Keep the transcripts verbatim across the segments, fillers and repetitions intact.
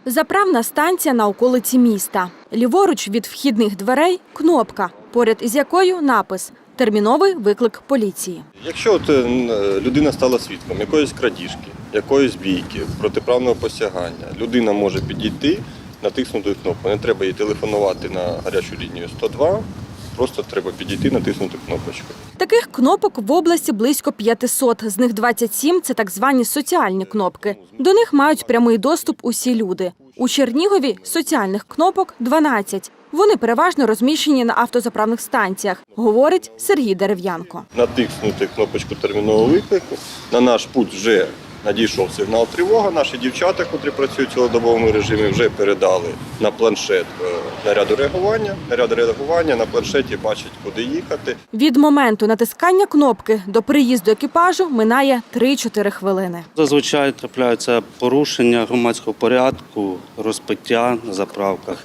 Заправна станція на околиці міста. Ліворуч від вхідних дверей – кнопка, поряд із якою напис «Терміновий виклик поліції». Якщо от людина стала свідком якоїсь крадіжки, якоїсь бійки, протиправного посягання, людина може підійти, натиснути кнопку. Не треба їй телефонувати на гарячу лінію сто два, просто треба підійти, натиснути кнопочку. Таких кнопок в області близько п'ятисот, з них двадцять сім – це так звані соціальні кнопки. До них мають прямий доступ усі люди. У Чернігові соціальних кнопок дванадцять. Вони переважно розміщені на автозаправних станціях, говорить Сергій Дерев'янко. Натиснути кнопочку термінового виклику, на наш пульт вже надійшов сигнал тривога. Наші дівчата, котрі працюють в цілодобовому режимі, вже передали на планшет наряду реагування. Наряд реагування на планшеті бачить, куди їхати. Від моменту натискання кнопки до приїзду екіпажу минає три-чотири хвилини. Зазвичай трапляються порушення громадського порядку, розпиття на заправках.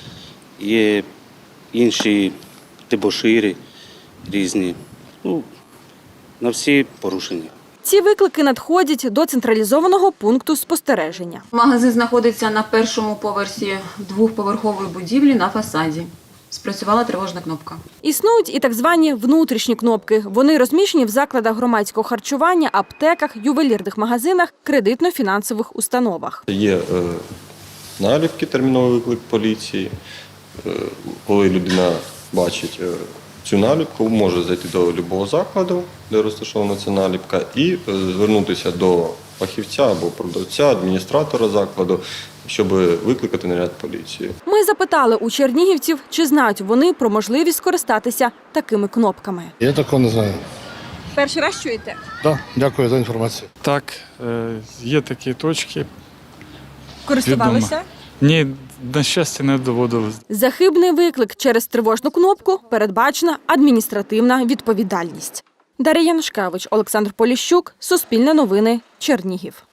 Є інші дебошири різні. Ну, на всі порушення. Ці виклики надходять до централізованого пункту спостереження. Магазин знаходиться на першому поверсі двохповерхової будівлі на фасаді. Спрацювала тривожна кнопка. Існують і так звані внутрішні кнопки. Вони розміщені в закладах громадського харчування, аптеках, ювелірних магазинах, кредитно-фінансових установах. Є е, наліпки «Терміновий виклик поліції». Е, коли людина бачить е, цю наліпку, може зайти до будь-якого закладу, де розташована ця наліпка, і е, звернутися до фахівця або продавця, адміністратора закладу, щоб викликати наряд поліції. Ми запитали у чернігівців, чи знають вони про можливість скористатися такими кнопками. Я такого не знаю. Перший раз чуєте? Так, дякую за інформацію. Так, е, є такі точки. Користувалися? Ні, на щастя, не доводилось. За хибний виклик через тривожну кнопку передбачена адміністративна відповідальність. Дар'я Янушкевич, Олександр Поліщук, Суспільне новини, Чернігів.